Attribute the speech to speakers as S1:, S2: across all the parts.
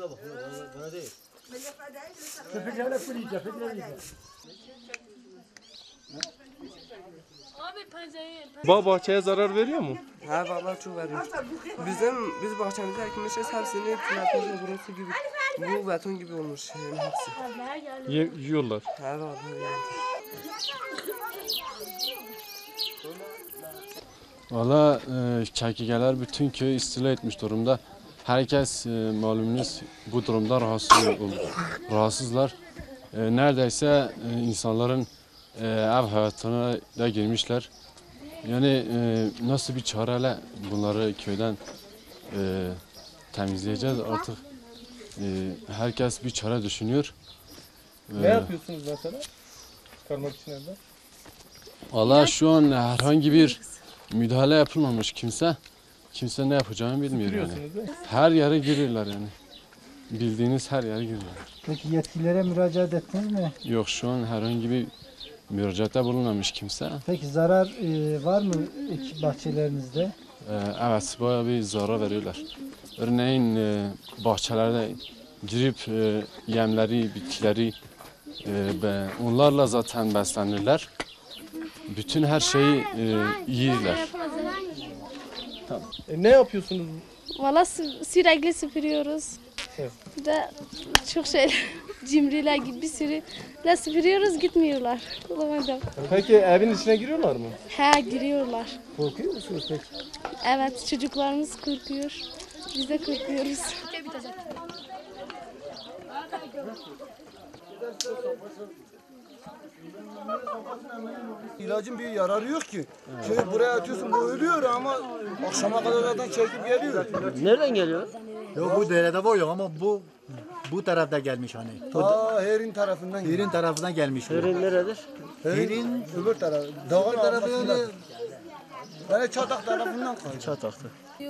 S1: bak. Bana değil.
S2: Köpeklerle fırlayacak. Köpeklerle
S3: Bahçeye zarar veriyor mu?
S4: Ha vallahi çok veriyor. Biz bahçemizde ekmişiz hepsini traktorla burası gibi. Bu beton gibi olmuş yani hepsi.
S3: Yiyorlar.
S4: Ha vallahi yani.
S3: Valla çekigeler bütün köyü istila etmiş durumda. Herkes malumunuz bu durumda rahatsızlar. Neredeyse insanların ev hayatına da girmişler. Yani nasıl bir çareyle bunları köyden temizleyeceğiz artık. Herkes bir çare düşünüyor.
S5: Ne yapıyorsunuz mesela? Çıkarmak için evden?
S3: Valla şu an herhangi bir müdahale yapılmamış kimse. Kimse ne yapacağını bilmiyor yani. Her yere giriyorlar yani. Bildiğiniz her yere giriyorlar.
S2: Peki yetkililere müracaat ettiniz mi?
S3: Yok şu an herhangi bir müracaatta bulunmamış kimse.
S2: Peki zarar var mı bahçelerinizde?
S3: Evet bayağı bir zarar veriyorlar. Örneğin bahçelerde girip yemleri, bitkileri onlarla zaten beslenirler. Bütün her şeyi yiyirler.
S5: Ne yapıyorsunuz?
S6: Valla sürekli süpürüyoruz.
S5: Evet.
S6: Bir de çok şey cimriler gibi bir sürü de süpürüyoruz gitmiyorlar. Bulamadım.
S5: Peki evin içine giriyorlar mı?
S6: He giriyorlar.
S2: Korkuyor musunuz peki?
S6: Evet çocuklarımız korkuyor. Biz de korkuyoruz.
S1: İlacın bir yararı yok ki. Şey buraya atıyorsun bu ölüyor ama akşama kadar zaten çekip geliyor.
S7: Nereden geliyor?
S1: Yok bu derede var yok ama bu tarafta gelmiş hani. Herin tarafından. Herin tarafından gelmiş.
S7: Herin neredir?
S1: Herin öbür tarafı. Dağın tarafı yani. Yani çatak tarafından kalıyor.
S7: Çataktı.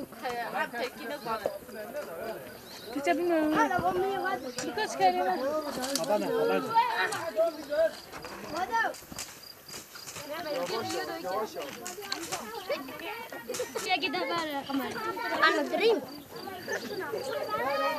S6: Hiç bilmiyorum. Birkaç kere.
S8: Ya gidelim. Anlatayım.